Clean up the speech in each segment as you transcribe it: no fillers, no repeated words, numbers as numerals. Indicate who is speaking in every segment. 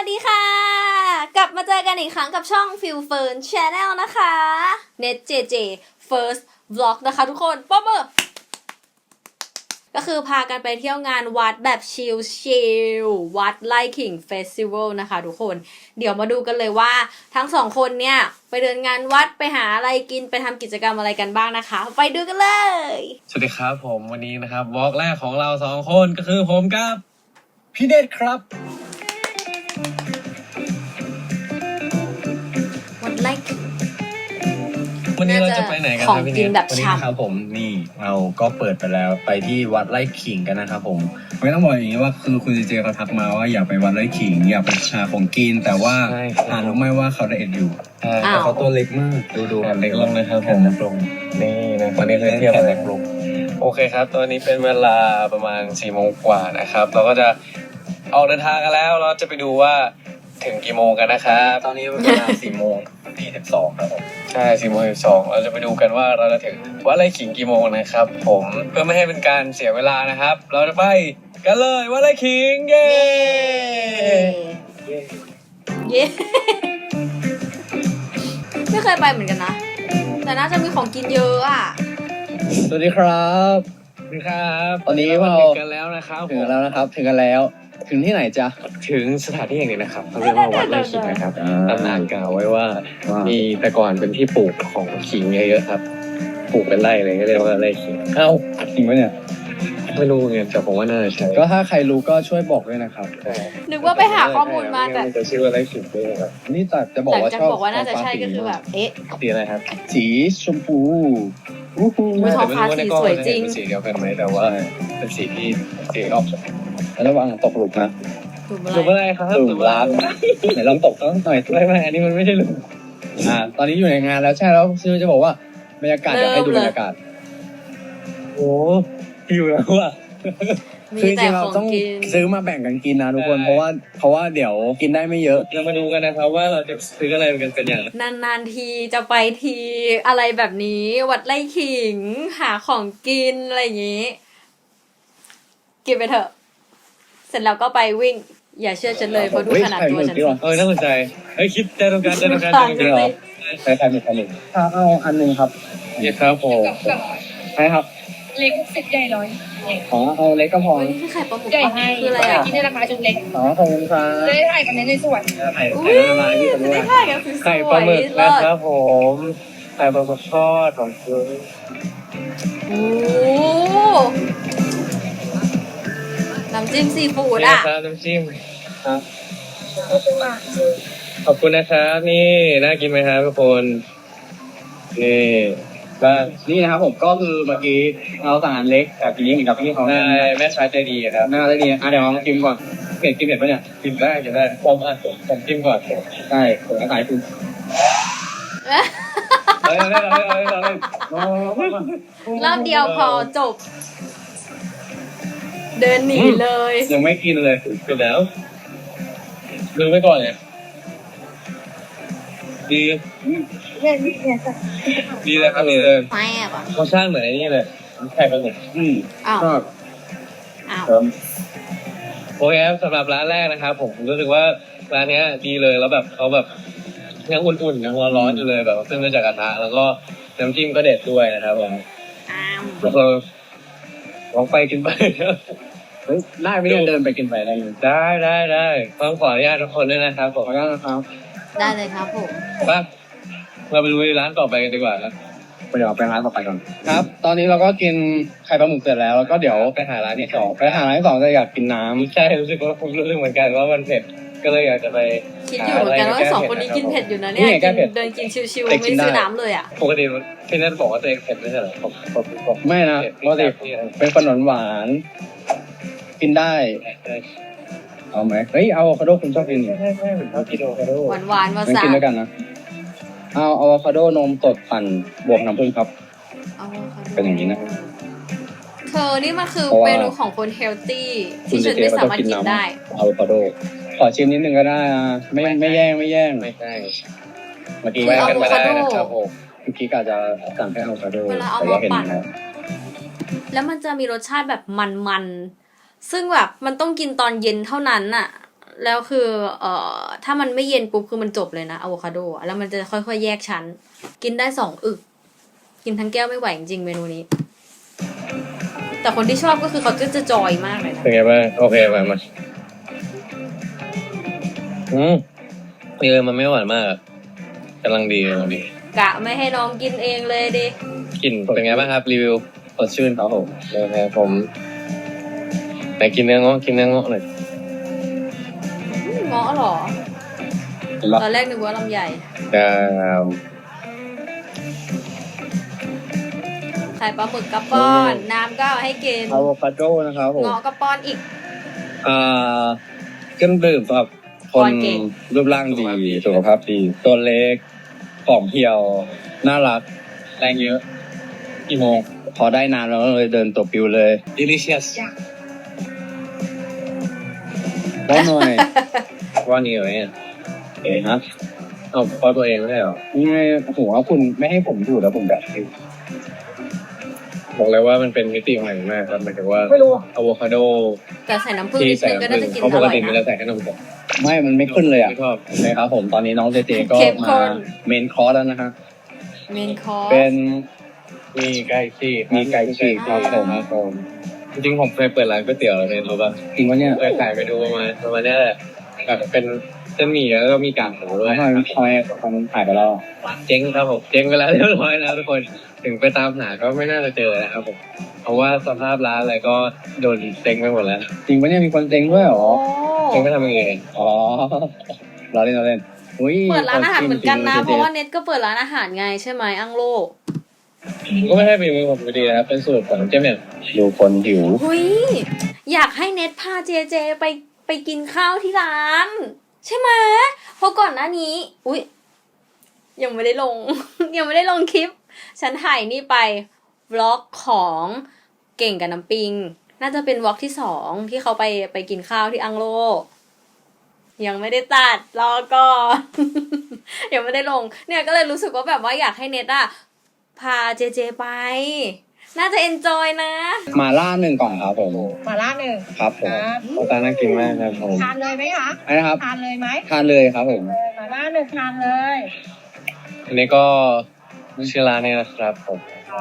Speaker 1: วัสดีค่ะกลับมาเจอกันอีกครั้งกับช่อง Feel Fern Channel นะคะ Net JJ First Vlog นะคะทุกคนป๊อบเบอร์ก็คือพากันไปเที่ยวงานวัดแบบชิลๆวัดไร่ขิงเฟสติวัลนะคะทุกคนเดี๋ยวมาดูกันเลยว่าทั้งสองคนเนี่ยไปเดินงานวัดไปหาอะไรกินไปทำกิจกรรมอะไรกันบ้างนะคะไปดูกันเลย
Speaker 2: สวัสดีครับผมวันนี้นะครับวอล์กแรกของเราสองคนก็คือผมกับพี่เดชครับ
Speaker 1: วัดไร่ขิง
Speaker 2: วันนี้เราจะไปไหนกันครับพี่เดช
Speaker 1: ของกินแบบ
Speaker 3: วันนี้นะครับผมนี่เราก็เปิดไปแล้วไปที่วัดไร่ขิงกันนะครับผมไม่ต้องบอกอย่างนี้ว่าคือคุณเจเขาทักมาว่าอยากไปวัดไร่ขิงอยากไปหาของกินแต่ว่ารู้ไหมว่าเขาไดเอทอยู่แต่เขาตัวเล็กมากดู
Speaker 2: เล็กลงนะครับผม
Speaker 3: เล็กลงนี่นะวันนี้เทียบกับเล็กลง
Speaker 2: โอเคครับตอนนี้เป็นเวลาประมาณ4 โมงกว่านะครับเราก็จะออกเดินทางกันแล้วเราจะไปดูว่าถึงกี่โมงกันนะครับ
Speaker 3: ตอนนี้เป็นเวลา4 โมง 42ครับผม
Speaker 2: ใช่4 โมง 12เราจะไปดูกันว่าเราจะถึงวัดไร่ขิงกี่โมงนะครับผมเพื่อไม่ให้เป็นการเสียเวลานะครับเราจะไปกันเลยวัดไร่ขิงเย้
Speaker 1: เย้ไม่เคยไปเหมือนกันนะแต่น่าจะมีของกินเยอะอ่ะ
Speaker 3: สวัสดีครับ
Speaker 2: สวัสดีครับ
Speaker 3: ตอนนี้
Speaker 2: เรา
Speaker 3: เรา
Speaker 2: ถึงกันแล้วนะครับ
Speaker 3: ถึงแล้วนะครับถึงกันแล้วถึงที่ไหนจ๊ะ
Speaker 2: ถึงสถานที่แห่งนี้นะครับเขาเรียกว่าวัดไร่ขิงนะครับตำนานกล่าวไว้ว่ามีแต่ก่อนเป็นที่ปลูกของขิงเยอะๆครับปลูกเป็นไร่เลยก็เรียกว่าไร่ขิง
Speaker 3: เอ้าจริงปะเนี่ย
Speaker 2: ไม่รู้เงี้ยแต่ผมว่าน่าจะใช่
Speaker 3: ก็ถ้าใครรู้ก็ช่วยบอกด้วยนะครับ
Speaker 1: นึกว่าไปหาข้อมูลมาแต่
Speaker 2: จะชื่อว่าไร่ขิงด้วยครับ
Speaker 3: นี่แต่จะบอก
Speaker 1: หลัง
Speaker 3: ว่า
Speaker 1: จาก
Speaker 3: ชอบ
Speaker 1: บอกว่าน่าจะใช่ก็คือแบบเอ๊ะ
Speaker 2: สีอะไรครับ
Speaker 3: สีชมพูอู้หู
Speaker 1: อุ๊ย
Speaker 2: แต่ไม่รู้ว่าในกล้อง
Speaker 1: สวยจริง
Speaker 2: เป็นสีเดียวกันไหมแต่ว่าเป็นสีที่สีออก
Speaker 3: ระวังตกหลุมนะ
Speaker 1: ถูก
Speaker 2: หลุม
Speaker 1: ไหม
Speaker 2: อะไรครับ
Speaker 3: หลุมรักไหนลองตกสักหน่อยสิ
Speaker 2: ไม่อันนี้มันไม่ใช่หลุม
Speaker 3: ตอนนี้อยู่ในงานแล้วใช่แล้วซื้อจะบอกว่าบรรยากาศเดี๋ยวให้ดูบรรยากาศ
Speaker 2: โอ้อยู่แล้วอ่ะ
Speaker 1: มี
Speaker 3: คือจ
Speaker 1: แต่
Speaker 3: ริงๆ
Speaker 1: ข
Speaker 3: เรา
Speaker 1: อง
Speaker 3: ต้อง
Speaker 1: กิน
Speaker 3: ซื้อมาแบ่งกันกินนะทุกคน
Speaker 2: ใช่
Speaker 3: เพราะว่าเดี๋ยวกินได้ไม่เยอะ
Speaker 2: เรามาดูกันนะครับว่าเราจะซื้ออะไรกันเป็นอย่างไร
Speaker 1: นานๆทีจะไปทีอะไรแบบนี้วัดไร่ขิงหาของกินอะไรอย่างนี้ กินไปเถอะ เสร็จแล้วก็ไปวิ่ง อย่าเชื่อฉันเลยเพราะดูขนาดตัวฉันสิ
Speaker 2: น่าสนใจคิดใจตรงกันใจตรงกัน
Speaker 1: ต่างกันสิ
Speaker 3: ใช้ใครมีใครหนึ่งเอาอันหนึ่งครับ
Speaker 2: นี่ครับผม
Speaker 3: ใช่ครับ
Speaker 4: เล็กสิบใหญ่ร้อย
Speaker 3: ขอเอาเล็กก็พอ
Speaker 1: เฮ้ยนี่คือไข่ปลาหมึก
Speaker 4: ใหญ่
Speaker 1: ปะ
Speaker 4: ให้
Speaker 1: คืออะไร
Speaker 4: ใหญ่
Speaker 1: อ่ะ
Speaker 4: ที่ในราคาชุดเล็ก
Speaker 3: ขอบคุณครับ
Speaker 4: จะได้ถ่ายกันในส่วน
Speaker 3: ไข่
Speaker 1: อุ้
Speaker 3: ไข่
Speaker 1: ย
Speaker 3: ละลายที่
Speaker 1: จะ
Speaker 3: ด้ว
Speaker 1: ได้
Speaker 3: ย
Speaker 1: ถ่ายกันสวยๆ
Speaker 2: ไข่ปลาหมึก
Speaker 1: เลิ
Speaker 2: นะ
Speaker 1: ศ
Speaker 2: ครับผมไข่ปลาหมึกทอดของคุณ
Speaker 1: โอ้น้ำจิ้มซีฟู้ด
Speaker 2: นี่
Speaker 1: อ่ะ
Speaker 2: นะครับน้ำจิ้มครับขอบคุณนะครับนี่น่ากินไหมครับทุกคนนี่บ้าง
Speaker 3: นี่นะครับผมก็คือเมื่อกี้เราสั่งอันเล็กแต่ทีนี้เหมือนกับพี่เขา
Speaker 2: ได้แม่ชายใจดีครับ
Speaker 3: น่าจะดีเดี๋ยวลองชิมก่อนเผ็ดกินเผ็ดปะเนี่ย
Speaker 2: กินได้ผมจิ้มก่อน
Speaker 3: ใช่ผมขายคุณ
Speaker 1: รอบเดียวพอจบ เดินหนีเลย
Speaker 3: ยังไม่กินเลย
Speaker 2: เป็นแล้วดูไปก่อนเนี่ยดี
Speaker 4: เนี่ยเนี่ยสัก
Speaker 2: ดีเลยครับดีเลย
Speaker 1: ไม่อะปะ
Speaker 2: เขาสร้างเหมือนไอ้นี่เลยไข่ปลาหมึก
Speaker 1: อ้าว
Speaker 3: ก็
Speaker 1: อ้าว
Speaker 2: โอเคครับสำหรับร้านแรกนะครับผมรู้สึกว่าร้านเนี้ยดีเลยแล้วแบบเขาแบบยังอุ่นๆยังร้อนๆอยู่เลยแบบขึ้นมาจากกระทะแล้วก็น้ำจิ้มก็เด็ดด้วยนะครับผม
Speaker 1: อ้าว
Speaker 2: แล้วก็ลองไปกินไป
Speaker 3: เฮ้ยได้ไม่ได้เดินไปกินไปได้เลย
Speaker 2: ได้ต้องขออนุญาตทุกคนด้วยนะครับผม
Speaker 3: ขออนุญาตนะครับ
Speaker 1: ได้เลยครับผม
Speaker 2: ป่ะเราไปดูร้านต่อไปกันดีกว่าครับ
Speaker 3: เดี๋ยวไปร้านต่อไปก่อนครับ ตอนนี้เราก็กินไข่ปลาหมึกเสร็จแล้วแล้วก็เดี๋ยว
Speaker 2: ไปหาร้านที่ส
Speaker 3: ส
Speaker 2: อ
Speaker 3: อง งไปหาร้านที่สองจะอยากกินน้ำ
Speaker 2: ใช่รู้สึกว่าผมรู้สึกเหมือนกันว่ามันเผ็ดก็เลยอยากจะไป
Speaker 1: คิดอยู่เหมือนกันว่าสองคนนี้กินเผ็ดอยู่นะเนี่ยกินเดินกินชิวๆไม่ซื้อน้ำเลยอ่ะ
Speaker 2: ปกติที่นั่นบอกว่าตัวเองเผ็ดไม่ใช่เหรอผม
Speaker 3: ไม่นะปกติเป็นขนมหวานๆกินได้เอาไหมเฮ้ยเอาอะโวคาโดคุณชอบกินนี่
Speaker 2: ใช่ผมชอบกินโอคาโด
Speaker 1: หวานๆมา
Speaker 3: งั้น
Speaker 1: สา
Speaker 3: กินด้วยกันนะเอาอะโวคาโดนมสดปั่นบวกน้ำผึ้งครับ เป็นอย่างนี้นะ
Speaker 1: เธอนี่มันคือ
Speaker 3: เพราะว่า
Speaker 1: เมนูของคนเฮลตี้ที่ฉันไม่สามารถกินได้
Speaker 3: อะโวคาโดขอชิมนิดนึงก็ได้นะไม่แย่ง
Speaker 2: ไม่ใช่
Speaker 3: เมื่อกี้
Speaker 1: คือ
Speaker 2: แวะ
Speaker 1: อะ
Speaker 2: กัน
Speaker 1: โว
Speaker 2: มา
Speaker 1: คา
Speaker 2: ได้
Speaker 1: โด
Speaker 2: นะครับผม
Speaker 3: เมื่อกี้กะจะสั่งแค่อะโวคาโด
Speaker 1: เวลาเอา
Speaker 3: แต่
Speaker 1: มา
Speaker 3: ว่าเห็น
Speaker 1: ปั่น
Speaker 3: แล้ว
Speaker 1: แล้วมันจะมีรสชาติแบบมันๆซึ่งแบบมันต้องกินตอนเย็นเท่านั้นน่ะแล้วคือถ้ามันไม่เย็นปุ๊บคือมันจบเลยนะอะโวคาโดอะแล้วมันจะค่อยๆแยกชั้น กินได้2 อึก กินทั้งแก้วไม่ไหวจริงๆเมนูนี้ แต่คนที่ชอบก็คือเขาจะจอยมากเลยนะ
Speaker 2: เป็นไงบ้างโอเคมามันไม่หวานมากกำลังดี
Speaker 1: กะไม่ให้น้องกินเองเลยดิ
Speaker 2: กลิ่นเป็นไงบ้างครับรีวิว
Speaker 3: สดชื่นครับผม
Speaker 2: นะครับผมไหนกินเนื้อเงาะหน่อย
Speaker 1: เงาะเหรอ ตอนแรกนึกว่าลำไย
Speaker 2: ดาว
Speaker 1: ไข่ปลาหมึกกระป้อน น้ำก็เอาให้กิน
Speaker 3: อะโวคาโดนะครับผม
Speaker 1: เงาะกระป้อนอีก
Speaker 3: เครื่องดื่มสำหรับค
Speaker 1: ก่อน นเก่ง
Speaker 3: รูปร่างดีสุขภาพดีตัวเล็กผอมเพรียวน่ารักแรงเยอะกี่โมงพอได้นานแล้วก็เลยเดินตัวปิวเลย
Speaker 2: delicious
Speaker 3: ได้หน่อย
Speaker 2: ว่านี่เหรอเนี่ย
Speaker 3: เอ๋ฮะ
Speaker 2: เอาพอตัวเองไม่ได้เหรอ
Speaker 3: นี่ไงผมว่าคุณไม่ให้ผมดูแล้วผมแบบ
Speaker 2: บอกเลยว่ามันเป็นมิติใหม่มากครับหมายถึงว่า
Speaker 4: ไม่รู้
Speaker 2: อะโวคาโด
Speaker 1: แต่ใส่น้ำผึ้ง
Speaker 2: ที่
Speaker 1: นิด
Speaker 2: ใส่
Speaker 1: นึงก็น่าจะกิน
Speaker 2: เขา
Speaker 1: อ
Speaker 2: ปก
Speaker 1: ร่อย
Speaker 2: ติมัน
Speaker 1: นะ
Speaker 2: จะใส่แค่นมสด
Speaker 3: ไม่มันไม่ขึ้นเลยอ่ะ
Speaker 2: ไม่ชอบ
Speaker 3: นะครับผมตอนนี้น้องเจเจก็
Speaker 1: เข้มข้
Speaker 3: มาน เมนคอร์สแล้วนะฮะ
Speaker 1: เมนคอร์ส
Speaker 3: เป็น
Speaker 2: มีไก่ฉีก
Speaker 3: มีไก่ฉีกครับผม
Speaker 2: จริงๆผมเคยเปิดร้านก๋วยเตี๋ยวแล้วเนี่ยรู้ป่ะ
Speaker 3: จริงวะเนี่ย
Speaker 2: เคยขายไปดูประมาณเนี้ยแหละแบบเป็นเส้นหมี่แล้วก็มีกากหมูด้วย
Speaker 3: ทำไมมันหายไปแล้ว
Speaker 2: เจ๊งครับผมเจ๊งไปแล้วเรียบร้อยแล้วทุกคนถึงไปตามหาก็ไม่น่าจะเจอนะครับผมเพราะว่าสภาพร้านอะไรก็โดนเจ๊งไปหมดแล้ว
Speaker 3: จริงปะเนี่ยมีคนเต็งด้วยเหรอ
Speaker 2: เจ๊งไปทำยังไง
Speaker 3: อ๋อเราเล่นอุ้ย
Speaker 1: เปิดร้านอาหารเหมือนกันนะ
Speaker 3: ข
Speaker 1: เพ
Speaker 3: จิ้ม
Speaker 1: ราะว่าเน็ตก็เปิดร้านอาหารไงใช่ไหมอังโล
Speaker 2: ก็ไม่ให้ฝีมือผมอยู่ดีนะครับเป็นสูตรของเจ๊เนี่ย
Speaker 3: ดูคนหิว
Speaker 1: หุยอยากให้เน็ตพาเจเจไปกินข้าวที่ร้าน ใช่ไหมเพราะก่อนหน้านี้ อุ๊ย ยังไม่ได้ลง ยังไม่ได้ลงคลิป ฉันถ่ายนี่ไปวล็อกของเก่งกับน้ำปิง น่าจะเป็นวล็อกที่ 2ที่เขาไปกินข้าวที่อังโล ยังไม่ได้ตัดรอก่อน ยังไม่ได้ลง เนี่ยก็เลยรู้สึกว่าแบบว่าอยากให้เน็ตอะพาเจเจไป น่าจะเอนจอยนะ
Speaker 3: มาล่า1 กล่องครับผม
Speaker 4: มาล่าหนึ่ง
Speaker 3: ครับผม
Speaker 4: ครับ
Speaker 2: โอ้ตาน่ากินมากครับผม
Speaker 4: ทานเลยไหมคะ
Speaker 3: อะไรนะครับ
Speaker 4: ทานเลยไหม
Speaker 3: ทานเลยครับผม
Speaker 4: มาล่าหนึ่งทานเลย
Speaker 2: อันนี้ก็ชื่อร้านนี้นะครับผม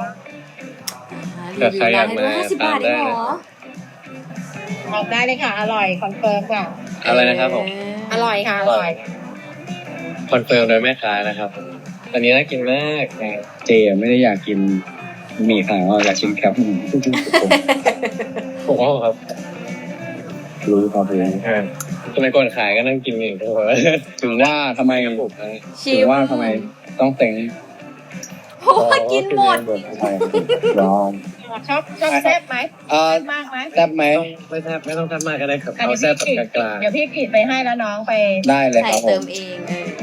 Speaker 1: รีวิวร้านให้ดู50 บาทเองเหรอ
Speaker 4: ออกได้เลยค่ะ อร่อยคอนเฟิร์มค่ะ
Speaker 2: อะไรนะครับผม
Speaker 4: อร่อยค่ะ อร่อย
Speaker 2: คอนเฟิร์มโดยแม่ค้านะครับอันนี้น่ากินมาก
Speaker 3: เจไม่ได้อยากกินหมี่ขาวอยากชิมแคปหมู
Speaker 2: ผมว่าครับ
Speaker 3: รู้ครับผม
Speaker 2: สมัยก่อนขายก็นั่งกินอย่างเดียว
Speaker 3: ถึงว่าทำไม
Speaker 1: ชิ
Speaker 3: ถึ
Speaker 1: ม
Speaker 3: งว่าทำไมต้องเต็ง
Speaker 1: เพราะว่ากินหมด
Speaker 3: ลอง
Speaker 4: ชอบแซ่บไหม
Speaker 3: เอ่อ
Speaker 4: มากไหม
Speaker 3: แซ่บไหม
Speaker 2: ไม่แซ่บไม่ต้องแซ่บมากก็ได้ครับ
Speaker 4: อ่ะ
Speaker 2: เอาแซ่บแบบกลาง
Speaker 4: เดี๋ยวพี่กรีดไปให้แล้วน้องไป
Speaker 3: ได้เลย
Speaker 1: ใส่
Speaker 3: ครับผ
Speaker 1: เติ
Speaker 3: ม
Speaker 1: มเอง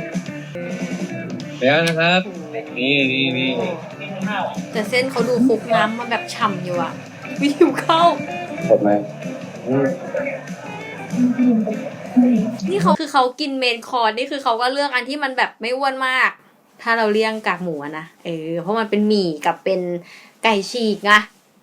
Speaker 2: ๆเดี๋ยวนะครับ นี่
Speaker 1: แต่เส้นเขาดูคลุกน้ำมาแบบฉ่ำอยู่อะวิวเข้า
Speaker 3: หมดไหม
Speaker 1: นี่เขาคือเขากินเมนคอร์สนี่คือเขาก็เลือกอันที่มันแบบไม่อ้วนมาก ถ้าเราเลี่ยงกากหมูอะนะเพราะมันเป็นหมี่กับเป็นไก่ฉีกไง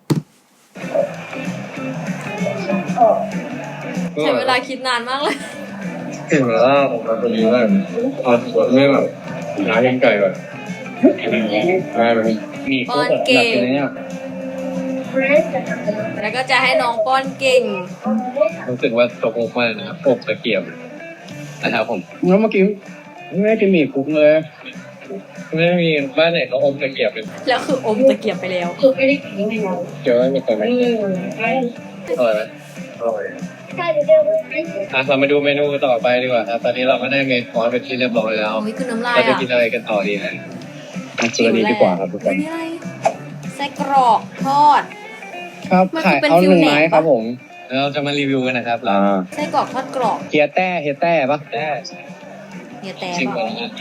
Speaker 1: ใช้เวลาคิดนานมากเลย
Speaker 2: ถึงแล้วผมเป็นยังไงเอาส่วนไม่แบบหาเองไก่แบบได้ไหม
Speaker 3: มี
Speaker 1: ป้อนเก่ง
Speaker 3: แบบนี้ย
Speaker 1: แล้วก็จะให้น้องป้อนเก่ง
Speaker 2: รู้สึกว่าตกมุกมากนะครับอบตะเกียบนะครับผม
Speaker 3: แล้วเมื่อกี้ไม่ได้กินหมี่คลุกเลย
Speaker 2: ไม่มีบ้านไหนเขาอมตะเกียบเลย
Speaker 1: แล้วคืออมตะเกียบไปแล้ว
Speaker 4: คือไม่ได้กินไม่ได้
Speaker 2: เกี่ยวไม่เคยไหมอร่อยไหมอร่อย
Speaker 4: ใช่เดี๋ยว
Speaker 2: เรามาดูเมนูต่อไปดีกว่าครับตอนนี้เราก็ได้เมนูคอร์สเป็นที่เรียบร้อยแล้ว
Speaker 1: โอ้ยคือน้ำลาย
Speaker 2: เราจะ
Speaker 1: อ่ะ
Speaker 2: กินอะไรกันต่อดีนะ
Speaker 3: มาเจอนี้ดีกว่าครับทุกคน
Speaker 1: นี่อะไรไส้กรอกทอด
Speaker 3: ครับ
Speaker 1: มัน
Speaker 3: ขาย
Speaker 1: เป็น
Speaker 3: เอา
Speaker 1: ฟิ
Speaker 3: 1
Speaker 1: ลแหนม
Speaker 3: ไม้ครับผม
Speaker 2: แล้วเราจะมารีวิวกันนะครับเรา
Speaker 1: ไส้กรอกทอดกรอบ
Speaker 3: เฮียแต้ปะ
Speaker 2: ได้
Speaker 1: เฮียแต่
Speaker 2: ชิม
Speaker 1: บ
Speaker 2: ก่
Speaker 1: อ
Speaker 2: อน
Speaker 1: ก
Speaker 2: นะ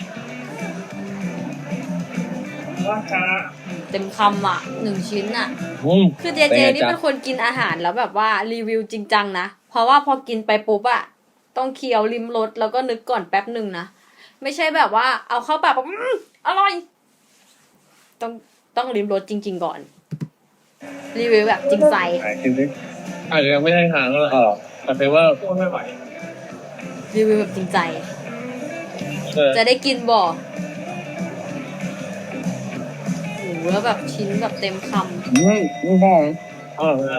Speaker 1: เต็มคำอ่ะ1 ชิ้นอ่ะ
Speaker 2: อืม
Speaker 1: คือเจเจนี่เป็นคนกินอาหารแล้วแบบว่ารีวิวจริงจังนะ เพราะว่าพอกินไปปุ๊บอะต้องเคี้ยวริมรสแล้วก็นึกก่อนแป๊บหนึ่งนะ ไม่ใช่แบบว่าเอาเข้าปากแบบอร่อย ต้องริมรสจริง ๆ ก่อน รีวิวแบบจริงใจ
Speaker 3: ขายจริง
Speaker 2: อาจจะยังไม่ได้ทานก็
Speaker 3: ๆอ๋อเหรอ
Speaker 2: แต่เป็นว่า
Speaker 1: รีวิวแบบจริงใจ
Speaker 2: เออ
Speaker 1: จะได้กินบ่โอ้โหแล้วแบบชิ้นแบบเต็มคำ
Speaker 3: ไม่พอ
Speaker 2: อร่อยมาก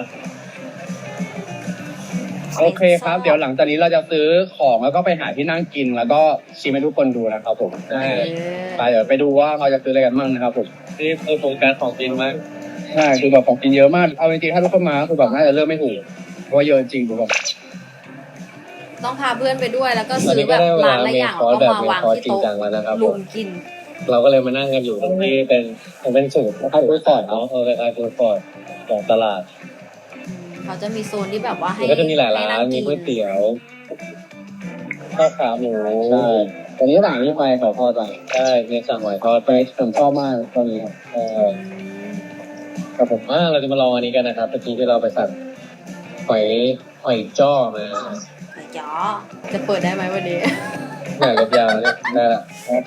Speaker 3: โอเคครับ เดี๋ยวหลังจากนี้เราจะซื้อของแล้วก็ไปหาที่นั่งกินแล้วก็ชิมให้ทุกคนดูนะครับผม
Speaker 2: ใช่
Speaker 3: ไปเดี๋ยวไปดูว่าเราจะซื้ออะไรกันบ้างนะครับผม
Speaker 2: นี่คือโครงการของกินมาก
Speaker 3: ใช่คือแบบของกินเยอะมากเอาจริงๆถ้าทุกคนมาคือแบบน่าจะเริ่มไม่ถูกเพราะว่าเยอะจริงคือแบบ
Speaker 1: ต้องพาเพื่อนไปด้วยแล้วก็
Speaker 2: ตอน
Speaker 1: ซื้อ
Speaker 2: นี้
Speaker 1: แบ
Speaker 2: ก็
Speaker 1: บ
Speaker 2: ได้เว
Speaker 1: ร้า
Speaker 2: ลาน
Speaker 1: ละ
Speaker 2: เม
Speaker 1: อย่าง
Speaker 2: คอ
Speaker 1: แล้ว
Speaker 2: ร์ส
Speaker 1: ก็
Speaker 2: แบบ
Speaker 1: มาวาง
Speaker 2: เมคอร์ส
Speaker 1: ที่
Speaker 2: จริง
Speaker 1: โต๊ะ
Speaker 2: จังแล้วนะครับผ
Speaker 1: ลุ
Speaker 2: ม
Speaker 1: มกิน
Speaker 2: เราก็เลยมานั่งกันอยู่ตรงที่เป็นสูตรฟู้ดคอร์ทเนาะเป็นฟู้ดคอร์ทของตลาด
Speaker 1: เขาจะมีโซนที่แบบว่าให้
Speaker 2: มันก็จะมีหลายร้า
Speaker 1: ให้
Speaker 2: น
Speaker 1: ง
Speaker 2: มี
Speaker 1: กิ
Speaker 2: ก๋วยเตี๋ยวข้าวขาหมู
Speaker 3: ใช่ตอนนี้หลังที่ไปขอพอใจ
Speaker 2: ใช่เนี่ยสั่งหอยทอด
Speaker 3: ไปผมชอบมากตอนนี้ครับ
Speaker 2: เออครับผมเราจะมาลองอันนี้กันนะครับเมื่อกี้ที่เราไปสั่งหอยจ้อมา
Speaker 1: จ๋อจะเปิดได้ไหมวันนี้
Speaker 2: หน่อยกับยาวเนี่ยได้ละ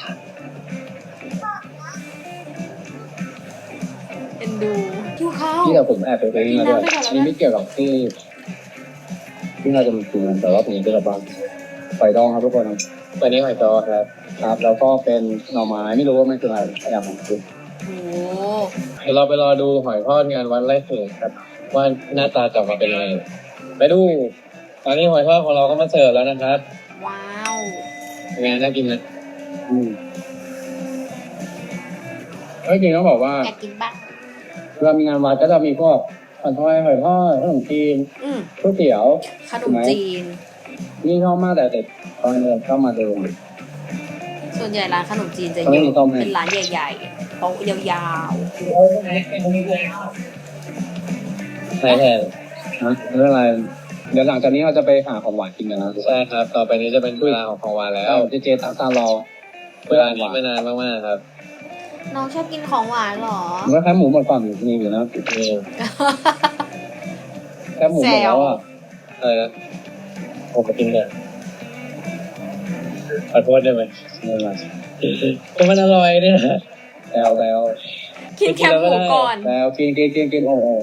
Speaker 1: เอ็นดูหิวข้าว
Speaker 3: ที่เราผมแอบไปซื้อมาด้วยนี่ไม่เกี่ยวกับที่เราจะมากินแต่ว่าผมจะกับบ้านไฟดองครับทุกคน
Speaker 2: วันนี้หอยจ้อครับ
Speaker 3: ครับ แล้วก็เป็นหน่อไม้ไม่รู้ว่ามันคืออะไรพยายามของคุณ
Speaker 1: โอ้
Speaker 2: เดี๋ยวเราไปรอดูหอยทอดงานวันไร่เขินครับว่าหน้าตาจะออกมาเป็นยังไงไปดูตอนนี้หอยทอดของเราก็มาเสิร์ฟแล้วนะครับ
Speaker 1: ว้าว
Speaker 2: เป็นไงน่ากินนะ
Speaker 3: จริงต้องบอกว่า
Speaker 1: อยากกินบ้าง
Speaker 3: เวลามีงานวัดก็จะมีพวกผัดไทยหอยทอดขนมจีน
Speaker 1: อืม
Speaker 3: ก๋วยเตี๋ยว
Speaker 1: ขนมจีน
Speaker 3: นี่ชอบมากแต่เด็กตอนเดินเข้ามาเดิม
Speaker 1: ส่วนใหญ่ร้านขนมจีนจะ
Speaker 3: เขา
Speaker 1: เย
Speaker 3: ไม่มีต้
Speaker 1: อะ
Speaker 3: มให้
Speaker 1: เป็นร้านใหญ่ๆโต๊ะยาว
Speaker 2: ใช่แทน
Speaker 3: นะไม่เป็นไรเดี๋ยวหลังจากนี้เราจะไปหาของหวานกินกันนะ
Speaker 2: ใช่ครับ ต่อไปนี้จะเป็นเวลาของหวานแล้ว
Speaker 3: เจตามตารอ
Speaker 2: เวลานี้ไม่นานมากๆครับ
Speaker 1: ๆน้องชอบกินของหวานเหรอ
Speaker 3: มันก็แค่หมูหมดก่อนมีอยู่นะ
Speaker 2: นี่
Speaker 3: แค่หมูหมดแล้วอ่ะ
Speaker 2: อะไรนะผมมากินเลยขอโทษได้ไหม
Speaker 3: ไม่เป็นไร
Speaker 2: ก็มันอร่อยเนี่ย
Speaker 3: แล้ว
Speaker 1: กินแคบหมูก่อน
Speaker 3: แล้วกินโอ้โห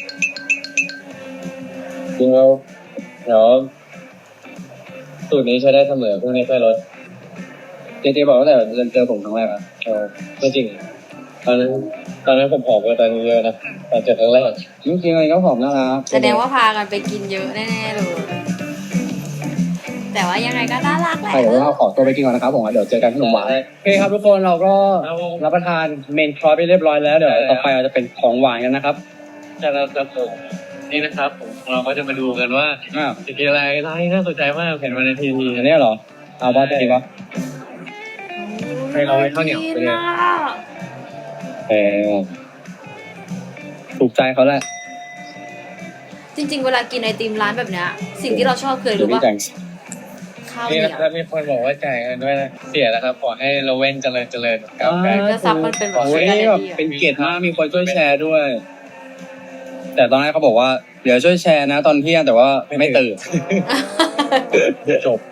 Speaker 2: จริงแล้วเดี๋ยวสูตรนี้ใช้ได้เสมอพวกนี้ค่อยลด
Speaker 3: เจบอกว่าแต่เจอผมครั้งแรกอ่ะ
Speaker 2: ไม่จริง ตอนนั้นผมผอมกว่าตอนนี้เยอะนะตอนเจอครั้งแรก
Speaker 3: จริงๆอะไรก็ผอมนะครับ
Speaker 1: แสดงว่าพากันไปกินเยอะแน่ๆเลย แต่ว่ายังไงก็น่ารักแหละ
Speaker 3: ใช่เดี๋ยวเราขอตัวไปกินก่อนนะครับผมเดี๋ยวเจอกันขนมหวานโอเคครับทุกคนเราก็รับประทานเมนคอร์สไปเรียบร้อยแล้วเดี๋ยวต่อไปเราจะเป็นของหวานกันนะครับ
Speaker 2: จะเราจะส่งนี่นะครับผมเราก็จะมาดูกันว่า
Speaker 3: อ่า
Speaker 2: จะกินอะไรน่าสนใจมากเห็นมาในทีวี
Speaker 3: อันนี้เหรอเอาว่าจะดีปะ
Speaker 2: ให้เราให้ข้าวเหนียวไปเลย
Speaker 3: เออถูกใจเขาแหละ
Speaker 1: จริงๆ เวลากินไอติมร้านแบบเนี้ย สิ่งที่เราชอบเคยรู้ป่ะ ข้าวเห
Speaker 2: นี่
Speaker 1: นี
Speaker 2: นะ
Speaker 1: ยว
Speaker 2: ครับมีคนบอกว่าจ่ายเงินด้วยนะเสียแล้วครับขอให้เราเว้นเจริญกับการ
Speaker 1: แล้วซับมันเป็นแบบ
Speaker 3: โอ้ยนี่แบบเป็นเกียรติมากมีคนช่วยแชร์ด้วย แต่ตอนแรกเขาบอกว่าเดี๋ยวช่วยแชร์นะตอนเที่ยงแต่ว่าไม่ตื่น
Speaker 2: จบ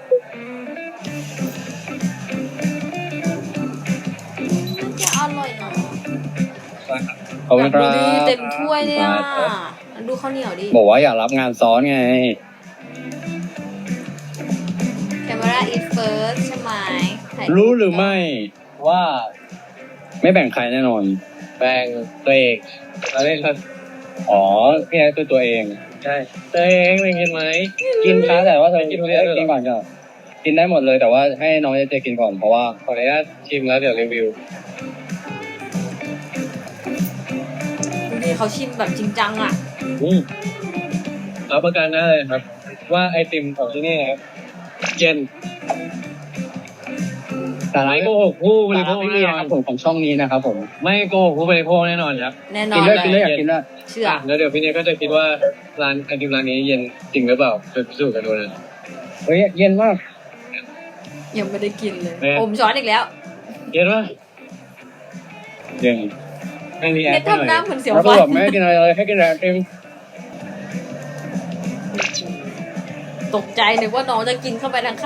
Speaker 1: จะอร่อยเนาะ
Speaker 3: ขอบคุณค
Speaker 1: ดู
Speaker 3: รับ
Speaker 1: ดิเต็มถ้วยเลยอ่ะดูข้าวเหนียวดิ
Speaker 3: บอกว่าอยากรับงานซ้อนไง
Speaker 1: Camera is first ใช่ไหมถ่าย
Speaker 3: รู้หรือไม่ว่า ไม่แบ่งใครแน่นอน
Speaker 2: แบ่งตัวเองเราเล่นครับ
Speaker 3: อ๋อพี่ไอ้คือตัวเอง
Speaker 2: ใช่ตัวเองเป็นกินไหม
Speaker 3: กินค้าแต่ว่าเธอ
Speaker 2: กิ
Speaker 3: กิ
Speaker 2: น
Speaker 3: น
Speaker 2: ทุเรียนด้วยเหรอ
Speaker 3: กินก่อนก็กินได้หมดเลยแต่ว่าให้น้องเจกินก่อนเพราะว่า
Speaker 2: ขออนุญาตชิมแล้วเดี๋ยวรีวิว
Speaker 1: ดูดิเขาชิมแบบจริงจังอ่ะ
Speaker 2: รับประกันได้เลยครับ ว่าไอติมของที่นี่ครับเย็น
Speaker 3: แต่ร้าน
Speaker 2: ไม่โกหกผู้บ
Speaker 3: ไม่
Speaker 2: ริโภค
Speaker 3: มี
Speaker 2: แน่น
Speaker 3: นะ
Speaker 2: อ
Speaker 3: คน รับผมของช่องนี้นะครับผม
Speaker 2: ไม่โกหกผู้บริโภคแน่นอนครับ
Speaker 1: แน่นอ
Speaker 3: กิน
Speaker 1: น
Speaker 3: ด้วย
Speaker 1: เล
Speaker 3: กินด้วย
Speaker 1: ย
Speaker 3: อยากกินด้วย
Speaker 1: เชื่อ
Speaker 2: แล้วเดี๋ยวพี่เนยก็จะคิดว่าร้านไอติมร้านนี้เย็นจริงหรือเปล่าไปพิสูจน์กันดูนะ
Speaker 3: เฮ้ยเย็นมาก
Speaker 1: ยังไม่ได้กินเลย
Speaker 2: แม่
Speaker 1: อมช้อนอีกแล้ว
Speaker 2: เย็นปะ
Speaker 3: เย็น
Speaker 2: ไม่มีแอ
Speaker 1: เน็
Speaker 2: ป
Speaker 1: ตทำหน้าเหมือนเสียว
Speaker 3: แล้ว
Speaker 1: ฟั
Speaker 3: ก็
Speaker 1: น
Speaker 3: แบบไม่ให้กินอะไรเลยให้กินแต่ไอติม
Speaker 1: ตกใจนึกว่าน้องจะกินเข้าไปทั้งค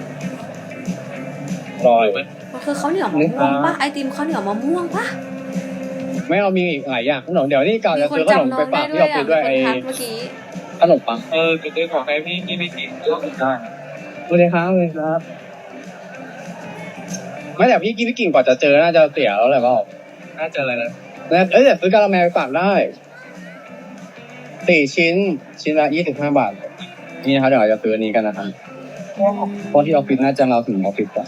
Speaker 3: อร่อย
Speaker 2: ไหม
Speaker 1: ำมันคือข้าวเหนียวมะม่วงปะไอติมข้าวเหนียวมะม่วงปะ
Speaker 3: ไม่เอามีอีกหลายอย่างขนมเดี๋ยวนี่กล่าว
Speaker 1: มี
Speaker 3: จะ
Speaker 1: คน
Speaker 3: ซื้อขนม
Speaker 1: จำน้อ
Speaker 3: ไป
Speaker 1: ง
Speaker 3: ฝา
Speaker 1: ได้
Speaker 3: ก
Speaker 1: ด้
Speaker 3: ที่
Speaker 1: วย
Speaker 3: เรา
Speaker 1: อ่ะ
Speaker 3: ซื้อด้วย
Speaker 1: มี
Speaker 3: ไอ้
Speaker 1: คนทักเมื่อกี้
Speaker 3: ขนมปัง
Speaker 2: จะซื้อของให้พี่กินไม่กินก็ได้
Speaker 3: สวัสดีครับสวัสดีครับไม่แต่พี่กิ่งกว่าจะเจอน่าจะเสียแล้วแหละเปล่า
Speaker 2: น่าจะอะไรนะ
Speaker 3: เอ้ยแต่ซื้อกะละแมไปฝากได้4 ชิ้นละ25 บาทนี่นะครับเดี๋ยวเราจะซื้ออันนี้กันนะครับเพราะที่ออฟฟิศน่าจะเราถึงออฟฟิศอะ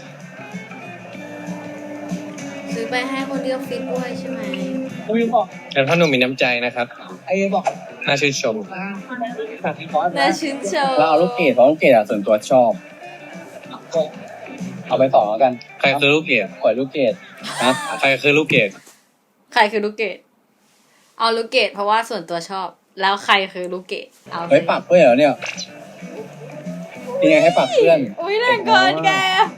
Speaker 1: ซื้อไปให้คนที่ออฟฟิศด้วยใช่ไหม
Speaker 2: แต่พ่อหนุ่มมีน้ำใจนะครับ
Speaker 3: ไอ้บอก
Speaker 2: น่าชื่นชม
Speaker 1: น่าชื่นชม
Speaker 3: เราเอาลูกเกดเพราะลูกเกดอะส่วนตัวชอบ เอาไป2แล้วกัน
Speaker 2: ใครคือลูกเกด
Speaker 3: ปล่อยลูกเกดนะ
Speaker 2: ใครคือลูกเกด
Speaker 1: ใครคือลูกเกดเอาลูกเกดเพราะว่าส่วนตัวชอบ แล้วใครคือลูกเกดเอา
Speaker 3: เฮ้ยปากเพื่อนเหรอเนี่ยยังไงให้ปากเพื่อน
Speaker 1: อุ้ยแรงเกินแก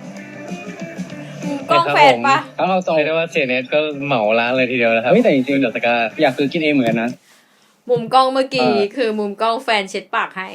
Speaker 1: กล้องแฟนปะ
Speaker 3: ถ้าเราส่ง
Speaker 2: เรียกได้ว่าเสียเน็ตก็เหมาร้านเลยทีเดียวนะครับ
Speaker 3: เฮ้ยแต่จริงๆ
Speaker 2: เดอะสกา
Speaker 3: อยากซื้อกินเองเหมือนกันนะ
Speaker 1: มุมกล้องเมื่อกี้
Speaker 3: อ่า
Speaker 1: คือมุมกล้องแฟนเช็ดปากให้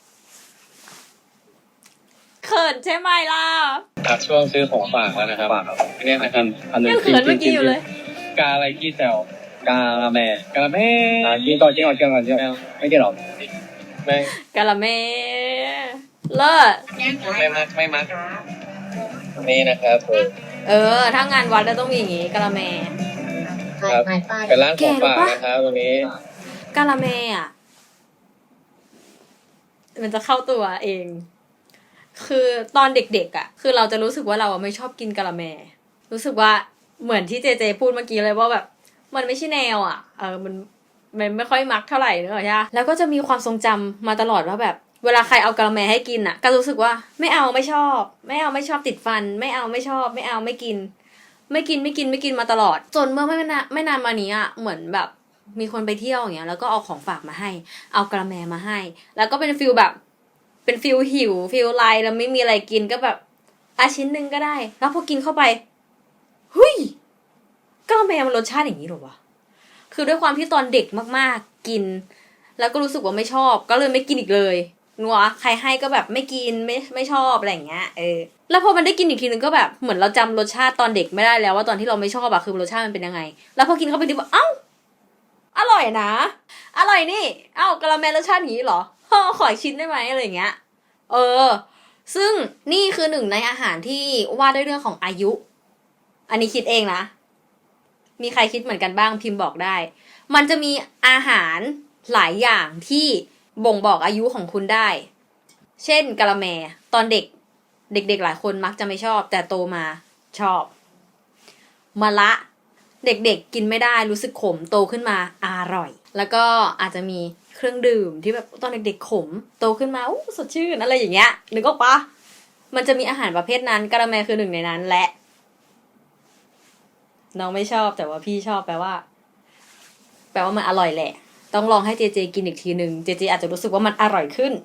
Speaker 1: เขินใช่ไหมล่ะ
Speaker 2: ครับช่วงซื้อของฝากแล้วนะครับ
Speaker 3: ปาก
Speaker 2: อันนี้นะครับ
Speaker 3: อันหนึง
Speaker 1: ยังเขินเมื่อกี้อยู่เลย
Speaker 2: กาอะไรกี้แซว
Speaker 3: กาละแม
Speaker 2: กาละแม่
Speaker 3: กินก่อนกินก่อนกินก่อนกินก่อนไม่กินหรอก
Speaker 2: ไม่
Speaker 1: กะละเมเลิศ
Speaker 2: ไม่มักนี่นะครับผม
Speaker 1: ถ้างานวัดแล้วต้องมีอย่างงี้กะละแม
Speaker 2: ครับเป็นร้านของฝากนะครับตรงนี้
Speaker 1: กะละแมอ่ะ มันจะเข้าตัวเอง คือตอนเด็กๆอ่ะ คือเราจะรู้สึกว่าเราอะไม่ชอบกินกะละแม รู้สึกว่าเหมือนที่เจเจพูดเมื่อกี้เลยว่าแบบ มันไม่ใช่แนวอ่ะ มันไม่ค่อยมักเท่าไหร่เนอะใช่ปะแล้วก็จะมีความทรงจำมาตลอดว่าแบบ เวลาใครเอากะละแมให้กินอ่ะ ก็รู้สึกว่าไม่เอาไม่ชอบ ไม่เอาไม่ชอบติดฟัน ไม่เอาไม่ชอบ ไม่เอาไม่กิน ไม่กินมาตลอด จนเมื่อไม่นานมานี้อ่ะเหมือนแบบมีคนไปเที่ยวอย่างเงี้ยแล้วก็เอาของฝากมาให้ เอากะละแมมาให้ แล้วก็เป็นฟิลแบบ เป็นฟิลหิวฟิลไลแล้วไม่มีอะไรกินก็แบบชิ้นหนึ่งก็ได้ แล้วพอกินเข้าไปเฮ้ยกะละแมมันรสชาติอย่างนี้หรอวะคือด้วยความที่ตอนเด็กมากๆกิน แล้วก็รู้สึกว่าไม่ชอบ ก็เลยไม่กินอีกเลยนัวใครให้ก็แบบไม่กินไม่ชอบอะไรอย่างเงี้ยแล้วพอมันได้กินอีกทีนึงก็แบบเหมือนเราจำรสชาติตอนเด็กไม่ได้แล้วว่าตอนที่เราไม่ชอบอะคือรสชาติมันเป็นยังไง แล้วพอกินเข้าไปดิบเอ้าอร่อยนะอร่อยนี่เอ้ากะละแมรสชาติอย่างนี้เหรอขออีกชิ้นได้ไหมอะไรอย่างเงี้ยซึ่งนี่คือหนึ่งในอาหารที่ว่าด้วยเรื่องของอายุ อันนี้คิดเองนะมีใครคิดเหมือนกันบ้างพิมพ์บอกได้ มันจะมีอาหารหลายอย่างที่บ่งบอกอายุของคุณได้ เช่นกะละแมตอนเด็กหลายคนมักจะไม่ชอบแต่โตมาชอบมะละเด็กกินไม่ได้รู้สึกขมโตขึ้นมาอร่อย แล้วก็อาจจะมีเครื่องดื่มที่แบบตอนเด็กๆขมโตขึ้นมาสดชื่นอะไรอย่างเงี้ยนึกออกปะมันจะมีอาหารประเภทนั้นกะละแมคือหนึ่งในนั้นและน้องไม่ชอบแต่ว่าพี่ชอบแปลว่ามันอร่อยแหละต้องลองให้เจเจกินอีกทีนึงเจเจอาจจะรู้สึกว่ามันอร่อยขึ้น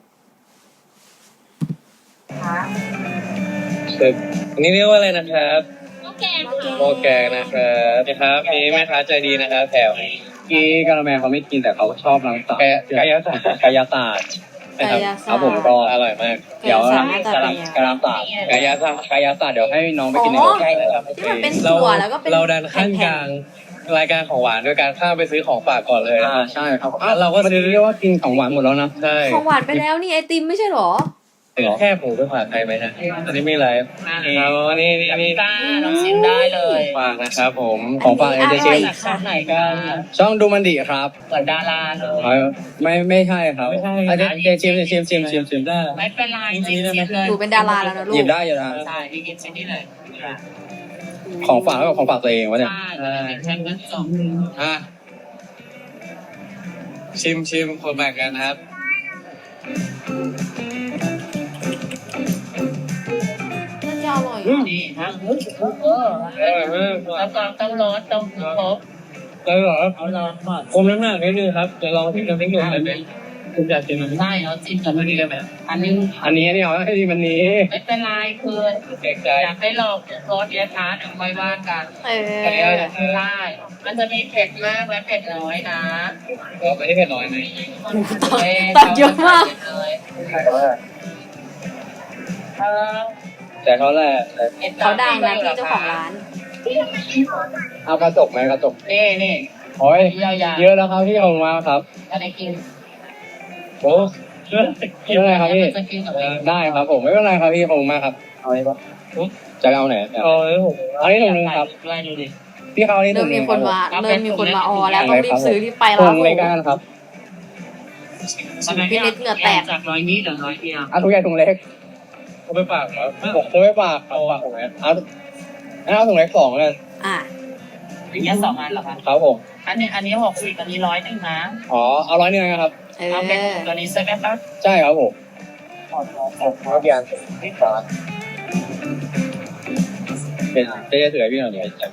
Speaker 2: อันนี้เรียกว่าอะไรนะครับ
Speaker 4: หม้อแกง
Speaker 2: โมแกงนะครับนะครับมีแม่ค้าใจดีนะครับแถว
Speaker 3: กี้กะละแมเขาไม่กินแต่เขาชอบน้ำตาล
Speaker 2: กายศาสตร์
Speaker 3: กายศาสตร์
Speaker 2: นะครับ
Speaker 3: ครับผมก็
Speaker 2: อร่อยมาก
Speaker 3: เดี๋ยว
Speaker 1: กายศาสตร์หน้าตาเป็นยังไง
Speaker 3: กะลำศาสตร์
Speaker 2: กายศาสตร์
Speaker 3: กายศาสตร์เดี๋ยวให้น้องไปกินใน
Speaker 1: อ๋
Speaker 3: ร
Speaker 1: อ
Speaker 3: ถได้นะครับ
Speaker 1: ที่มันเป็นถั่วแล้วก็เป็น
Speaker 2: เราดันขั้นกลางรายการของหวานด้วยการข้ามไปซื้อของฝากก่อนเลยนะ
Speaker 3: ใช่ครับ
Speaker 2: เราก็ซื้อ
Speaker 3: เรียกว่ากินของหวานหมดแล้วนะ
Speaker 2: ใช่
Speaker 1: ของหวานไปแล้วนี่ไอติมไม่ใช่หรอ
Speaker 2: แค่ผมไปฝากใครไหมฮะอันนี้ไม่ไรครับอันนี้นี่
Speaker 4: จ้าลองชิมได้เลย
Speaker 2: ฝากนะครับผม
Speaker 3: ของฝาก
Speaker 1: อันนี้
Speaker 3: เอเจ
Speaker 1: อร่อย
Speaker 3: น
Speaker 1: ค่ะ
Speaker 4: ไหนกัน
Speaker 3: ช่องดูมันดีครับ
Speaker 4: เหมือนดาราเลย
Speaker 3: ไม่ใช่ครับอาจจะชิมได้
Speaker 4: ไม่เป็นไรจริงๆเลย
Speaker 1: หนูเป็นดาราแล้วนะลู
Speaker 3: หยิ
Speaker 1: ก
Speaker 3: บได้อยู่นะ
Speaker 4: ใช่พี่กินชิ้นนี้เลย
Speaker 3: ของฝากกับของฝากตัวเองวะเนี่ย
Speaker 4: ใช่แค่นั้นจบ
Speaker 2: อ่ะชิมคนแบ่งกันนะครับ
Speaker 1: น่าจะอร่อย
Speaker 4: นี่ฮะแล้วก็ต้องร้อนต้องครบ
Speaker 2: แล้วเหรอ
Speaker 4: เอาร้อนก่อน
Speaker 2: คมน้ำหนักนิดนึงครับจะลองที่น้ำพริกหนุ่มเลยเป็นคุณอยากกินไหม
Speaker 4: ใช่เอาจิ้มกันนี่ได้ไหมอันนี้
Speaker 3: อันนี้เอาให้ดีมันนี้
Speaker 4: ไม่เป็นไรคือ
Speaker 2: เด็กใจ
Speaker 4: อยากให้ลองรสเยอะช้าเดี๋ยวค่อยว่ากัน
Speaker 1: เออ
Speaker 4: ใช่มันจะมีเผ็ดมากและเผ็ดน้อยนะ
Speaker 2: ก็ไม่ได้เผ็ดน้อยไหม
Speaker 1: ตัดเยอะมาก
Speaker 3: แต่เขาแหละ
Speaker 1: เขาดังนะพี่เจ้าของร้าน
Speaker 3: เอากระจกไหมกระจก
Speaker 4: นี่
Speaker 3: โอ้ย
Speaker 4: ยาวๆ
Speaker 3: เยอะแล้วครับพี่ขอบคุณมากครับ
Speaker 4: อะไรกิน
Speaker 2: โอ้
Speaker 3: ไม่เป็นไรครับพี่ได้ครับผมไม่เป็นไรครับพี่ผมมาครับเอาอะไรปะจะเอาไหน
Speaker 2: เอาเลยผม
Speaker 3: เอาที่ถุงนึงครับ
Speaker 4: ไล่ดูดิ
Speaker 3: พี่เขานี่
Speaker 1: เริ่
Speaker 3: ถุ
Speaker 1: ม
Speaker 3: งนึ
Speaker 1: มี
Speaker 3: ง
Speaker 1: คนมาเริ่มมีคนมาออแล้วต้องรีบซื้อรีบไปแล้ว
Speaker 3: ถุ
Speaker 1: ครับ
Speaker 3: ง
Speaker 1: ผ
Speaker 3: เล็ก
Speaker 1: ม
Speaker 3: กันครับ
Speaker 1: พี่นิดเหงื่อแตก
Speaker 4: จาก100นี้เหลือ100เดียว
Speaker 3: เอาถุงใหญ่ถุงเล็ก
Speaker 2: เอาไปปากครับ
Speaker 3: ผมจะไม่ปากเอาปากผมเอาถุงเล็ก2เลย
Speaker 1: อ่ะ
Speaker 4: อย่างเงี้ย2อันเหรอคะ
Speaker 3: ครับผม
Speaker 4: อันนี้60อันนี้100นึงนะ
Speaker 3: อ๋อเอา100นึงนะครับ
Speaker 1: เอ
Speaker 4: เอาเป็น
Speaker 1: อ
Speaker 4: ตัวนี้ใช่ไหมคะ
Speaker 3: ใช่ครับผม
Speaker 2: เอาเกียร์
Speaker 3: เป็นจะถือให้พี่หน่อย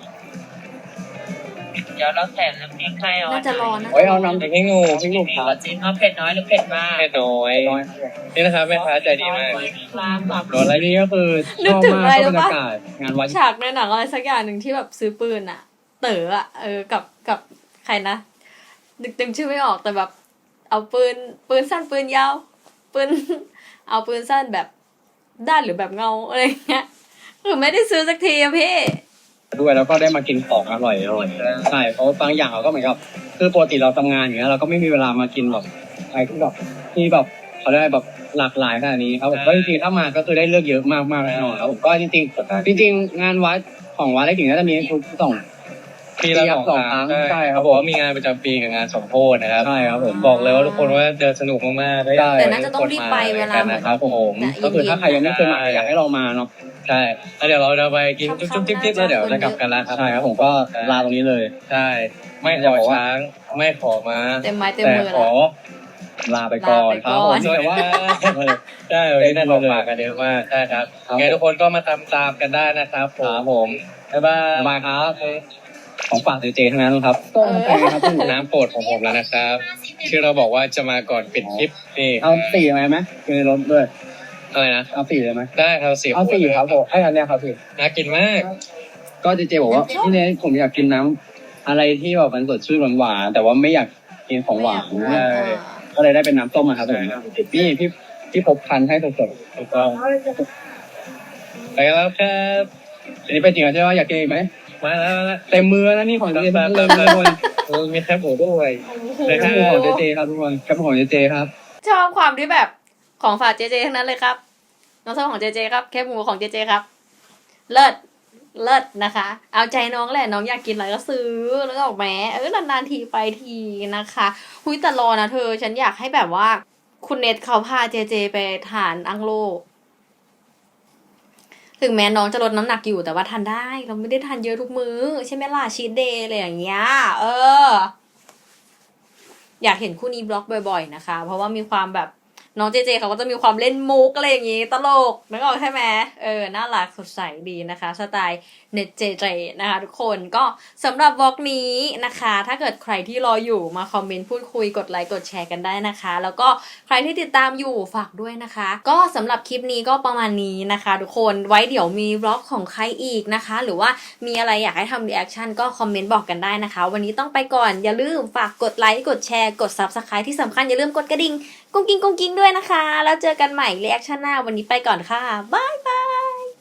Speaker 4: เดี๋ยวเราแถมน้ำพริกให้เอา
Speaker 1: น่าจะรอนะ
Speaker 3: โอ้ยเอาน้ำพริก
Speaker 2: พี่งูพี่งู
Speaker 4: มีกระจิ้นเอาเผ็ดน้อยหรือเผ็ดมาก
Speaker 2: แค่น้อยนี่นะครับแม่ค้าใจดีมาก
Speaker 3: รถอะไรนี่ก็คือชอบมากชอบบรรยากาศงานวัด
Speaker 1: ฉากในหนังอะไรสักอย่างหนึ่งที่แบบซื้อปืนอะเต๋ออะกับใครนะดึงชื่อไม่ออกแต่แบบ เอาปืนสั้นปืนยาวปืน เอาปืนสั้นแบบด้านหรือแบบเงาอะไรเงี้ยคือไม่ได้ซื้อสักทีอะพี่
Speaker 3: ด้วยแล้วก็ได้มากินของอร่อยใช่เพราะบางอย่างเราก็เหมือนกับคือปกติเราทำงานอย่างเงี้ยเราก็ไม่มีเวลามากินแบบอะไรที่แบบเขาได้แบบหลากหลายขนาดนี้ครับผมก็จริงๆถ้ามาก็คือได้เลือกเยอะมากๆแน่นอนครับผมก็จริงๆงานวัดของวัดได้ถึงน่าจะมีทุกสอง
Speaker 2: ปีละ2 ครั้ง
Speaker 3: ใช่ครับ
Speaker 2: เขาบอกว่ามีงานประจำปีกับงานสมโภชนะครับ
Speaker 3: ใช่ครับผม
Speaker 2: บอกเลยว่าทุกคนว่าเดินสนุกมากๆได้
Speaker 1: แต่น่าจะต้องรีบไปเวลาเหมือน
Speaker 2: นะครับผม
Speaker 3: ก็คือถ้าใครยังไม่เคยมาอยากให้เรามาเนาะ
Speaker 2: ใช่แล้วเดี๋ยวเราจะไปกินจุ๊บจิ๊บแล้วเดี๋ยวจะกลับกันแล้วครับ
Speaker 3: ใช่ครับผมก็ลาตรงนี้เลย
Speaker 2: ใช่ไม่ขอช้างไม่ขอม้า
Speaker 1: เต็มไม้เต็ม
Speaker 2: แต่
Speaker 1: มือ
Speaker 2: ข
Speaker 1: แล้
Speaker 2: อ
Speaker 1: ว
Speaker 3: ลาไปก่อนครับผม
Speaker 2: แต่ว่าใช่วันนี้ได้ของฝากกันเยอะมากใช่ครับยังไงทุกคนก็มาตามกันได้นะครับผมบ๊ายบาย
Speaker 3: บายครับของฝากเจทั้งนั้นครับ
Speaker 1: เออ
Speaker 3: ครับ
Speaker 2: น้ำโปรดของผมแล้วนะครับที่เราบอกว่าจะมาก่อนปิดคลิปนี่
Speaker 3: เอา4ไหมคือในรถด้วย
Speaker 2: อะไรนะ
Speaker 3: เอา4เลยไหม
Speaker 2: ได้ครับสี่
Speaker 3: เอา4ครับผมไอ้อันเนี้ยครับพี่
Speaker 2: น่ากินมาก
Speaker 3: ก็เจบอกว่าพี่เนยผมอยากกินน้ำอะไรที่แบบมันสดชื่นหวานๆแต่ว่าไม่อยากกินของหวาน ก็เลยได้เป็นน้ำส้มมาครับผมนี่พี่พบคันให้สด
Speaker 2: ถูกต้องไปกันแล้วครับ
Speaker 3: ๆอันนี้เป็นจริงใช่ไหมอยากกินอีกไหม
Speaker 2: มาแล้ว
Speaker 3: เต็มมือแล้วนี่ของเจ
Speaker 2: เริ่ม
Speaker 3: เริ่ม
Speaker 2: เล
Speaker 3: ทุกคน
Speaker 2: ยมีแคบหมูด้วย
Speaker 3: แคปหมูของเจครับทุกคนแคปหมูของเจครับ
Speaker 1: ชอบความที่แบบของฝากเจเจทั้งนั้นเลยครับ น้องชอบของเจเจครับแคบหมูของเจเจครับ เลิศนะคะ เอาใจน้องแหละน้องอยากกินอะไรก็ซื้อแล้วก็ออกแม้นานๆทีไปทีนะคะหุยแต่รอนะเธอ ฉันอยากให้แบบว่า คุณเน็ตเขาพาเจเจไปทานอังโล ถึงแม้น้องจะลดน้ำหนักอยู่แต่ว่าทานได้ เราไม่ได้ทานเยอะทุกมื้อใช่ไหมล่ะชีทเดย์อะไรอย่างเงี้ยอยากเห็นคู่นี้บล็อกบ่อยๆนะคะ เพราะว่ามีความแบบน้องเจเจเขาก็จะมีความเล่นมุกอะไรอย่างงี้ตลกนึกออกใช่ไหมน่ารักสดใสดีนะคะสไตล์เน็ตเจเจนะคะทุกคนก็สำหรับบล็อกนี้นะคะ ถ้าเกิดใครที่รออยู่มาคอมเมนต์พูดคุยกดไลค์กดแชร์กันได้นะคะ แล้วก็ใครที่ติดตามอยู่ฝากด้วยนะคะ ก็สำหรับคลิปนี้ก็ประมาณนี้นะคะ ทุกคนไว้เดี๋ยวมีบล็อกของใครอีกนะคะ หรือว่ามีอะไรอยากให้ทำรีแอคชั่นก็คอมเมนต์บอกกันได้นะคะ วันนี้ต้องไปก่อนอย่าลืมฝากกดไลค์กดแชร์กด Subscribe ที่สำคัญอย่าลืมกดกระดิ่งกุ้งกิ้งด้วยนะคะ แล้วเจอกันใหม่รีแอคชั่นหน้าวันนี้ไปก่อนค่ะบ๊ายบาย